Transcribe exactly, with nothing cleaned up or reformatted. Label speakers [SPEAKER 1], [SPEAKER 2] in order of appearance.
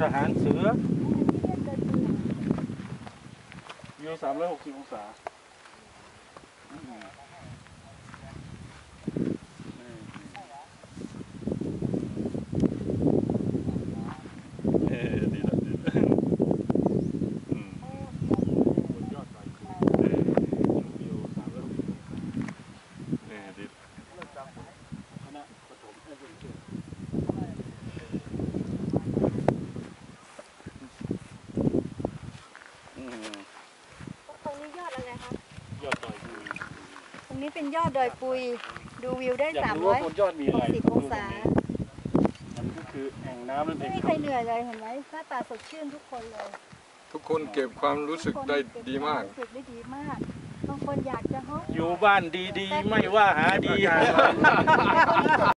[SPEAKER 1] ทหารเสือวิวสามร้อยหกสิบองศาเออดีละดีละอืมบนยอดดอยคุยเออวิวสามร้อยหกสิบองศาเออดีเริ่มจากคณะปฐมเอเชีย
[SPEAKER 2] ตรงนี้ยอดอะไรคะ
[SPEAKER 1] ยอดดอยปุย
[SPEAKER 2] ตรงนี้เป็นยอดดอยปุยดูวิวได้สาม
[SPEAKER 1] อยากรู้
[SPEAKER 2] ร้อ
[SPEAKER 1] ว่าย บนยอดมีอะไร
[SPEAKER 2] หกสิบองศา
[SPEAKER 1] มันก็คือแอ่งน้ำนั่นเอ
[SPEAKER 2] ไม่
[SPEAKER 1] ง
[SPEAKER 2] มีใครเหนื่อยเลยเห็นไหมหน้าตาสดชื่นทุกคนเลย
[SPEAKER 3] ทุกคนเก็บความรู้สึกได้ดีมาก
[SPEAKER 2] รู้สึกได้ดีมากบางคนอยากจะฮอก
[SPEAKER 1] อยู่บ้านดีๆ ไม่ว่าหาดี